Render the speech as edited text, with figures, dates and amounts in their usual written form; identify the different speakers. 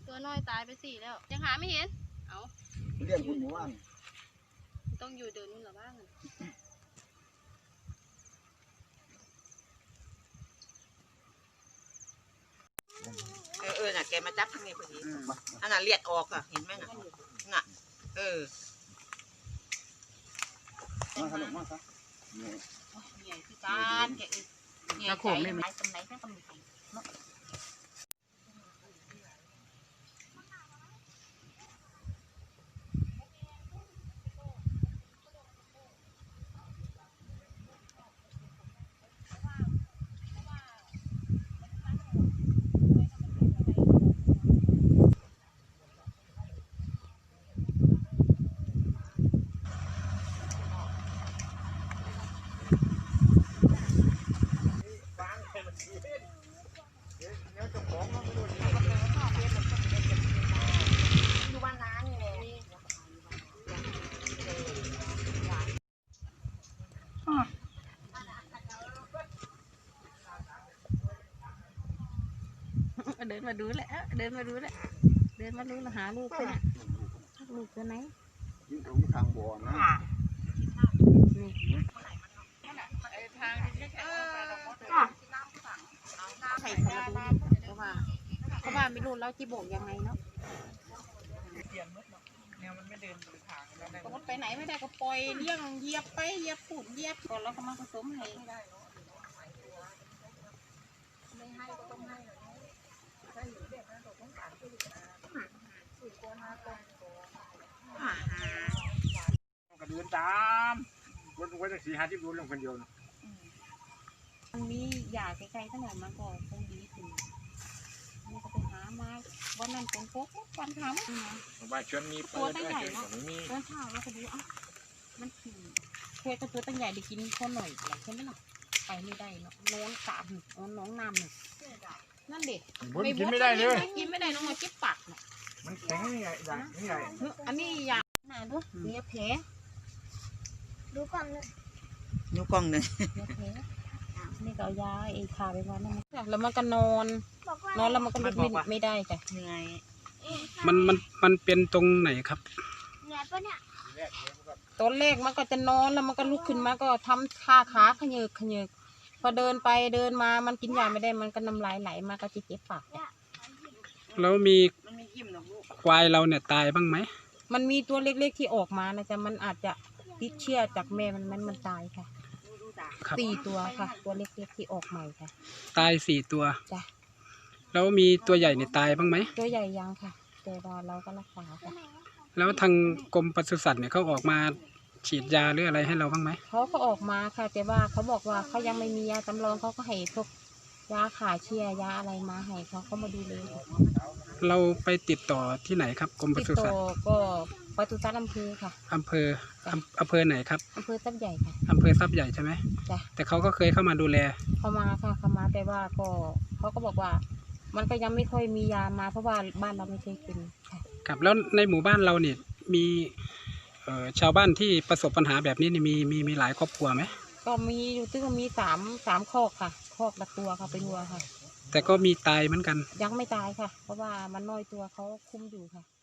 Speaker 1: ตัวน้อยตายไป4แล้วยังหาไม่เห็นเอา
Speaker 2: เรียกคุณหมู่บ้าน
Speaker 1: ต้องอยู่เดินนู่นหรอบ้าง
Speaker 3: น่ะแกมาจับทางนี้พอดีอันน่ะเลียดออกอ่ะเห็นไหมน่ะน่ะ
Speaker 2: มาขนมมาซะ
Speaker 3: ใหญ่ที่การแกใหญ่ใจไหนตรงไหนแค่ตรงนี้
Speaker 1: เดินมาดูแหละเดินมาดูแหละเดินมาดูหาลูกคนลูกตัวไหน
Speaker 2: ยิ่งตรงทางบ่อนะ
Speaker 1: นี่
Speaker 3: ทาง
Speaker 1: ใส่สารบูเพราะว่าไม่รู้เราจีโบกยังไงเนาะ
Speaker 3: มันไม่เดินทาง
Speaker 1: รถไปไหนไม่ได้ก็ปล่อยเลี้ยงเหยียบไปเหยียบปูดเหยียบก่อนแล้วก็มาผสมให้ไม่ให้ก็ต้องให้
Speaker 2: ก็เดินตามวันจะ4-5 ที่รู้เรื่องคนเดียว
Speaker 1: มันมียาใกล้ๆขนาดมันก็คงดีขึ้นมันก็ไปหามาวันนั้นเป็นพวกวันทำ
Speaker 2: บ้านชวนมี
Speaker 1: ตัวตั้งใหญ่เนาะตัวเท่าแล้วก็ดูอ่ะมันขี่เพื่อตัวตั้งใหญ่ได้กินข้าวหน่อยอย่างเช่นนั้นไปไม่ได้เนาะน้องสามน้องนำนั่นเด็ก
Speaker 2: กินไม่ได้เลย
Speaker 1: กินไม่ได้น้องมาเก็บปากเนี่ย
Speaker 2: มันแข็งนี่ใหญ่นี่ใหญ่
Speaker 1: อันนี้ยาหนาด้วยเนื้อแผลดูกล้องเลย
Speaker 3: นิ้วกล้องหนึ่ง
Speaker 1: เนื้อแผลนี่ก็ยาไอ้ขาไปวันนั้นแล้วมันก็นอนแล้วมันก็ลุกไม่ได้จ้ะ
Speaker 3: เหนื่อย
Speaker 4: มันเป็นตรงไหนครับ
Speaker 1: ตอนแรกมันก็จะนอนแล้วมันก็ลุกขึ้นมาก็ทำขาขยืกพอเดินไปเดินมามันกินยาไม่ได้มันก็น้ำลายไหลมาก็จะเจ็บปาก
Speaker 4: แล้วมีควายเราเนี่ยตายบ้างไหม
Speaker 1: มันมีตัวเล็กๆที่ออกมานะจ๊ะมันอาจจะติดเชื้อจากแม่มันตายค่ะ4 ตัวค่ะตัวเล็กๆที่ออกใหม่ค่ะ
Speaker 4: ตาย4 ตัว
Speaker 1: จ้ะ
Speaker 4: แล้วมีตัวใหญ่เนี่ยตายบ้างไหม
Speaker 1: ตัวใหญ่ยังค่ะแต่ว่าเราก็รักษาค่ะ
Speaker 4: แล้วทางกรมปศุสัตว์เนี่ยเขาออกมาฉีดยาหรืออะไรให้เราบ้างไหม
Speaker 1: เขาก็ออกมาค่ะแต่ว่าเขาบอกว่าเขายังไม่มียาจำลองเขาก็ให้พวกยาขาเชื้อยาอะไรมาให้เขามาดูเลย
Speaker 4: เราไปติดต่อที่ไหนครับกรมปศุสัตว์
Speaker 1: ก็ปศุสัตว์อำเภอค่ะ
Speaker 4: อำเภอไหนครับ
Speaker 1: อำเภอทรัพย์ใหญ่ค่ะ
Speaker 4: อำเภอทรัพย์ใหญ่ใช่ไหม
Speaker 1: จ้ะ
Speaker 4: แต่เขาก็เคยเข้ามาดูแล
Speaker 1: เข้ามาค่ะเข้ามาแต่ว่าก็เขาก็บอกว่ามันก็ยังไม่ค่อยมียามาเพราะว่าบ้านเราไม่เคยกินค่ะ
Speaker 4: ครับแล้วในหมู่บ้านเราเนี่ยมีชาวบ้านที่ประสบปัญหาแบบนี้นี่มีหลายครอบครัวไหม
Speaker 1: ก็มีอยู่ที่ก็มีสามคอกค่ะคอกละตัวค่ะเป็นวัวค่ะ
Speaker 4: แต่ก็มีตายเหมือนกัน
Speaker 1: ยังไม่ตายค่ะเพราะว่ามันน้อยตัวเขาคุมอยู่ค่ะ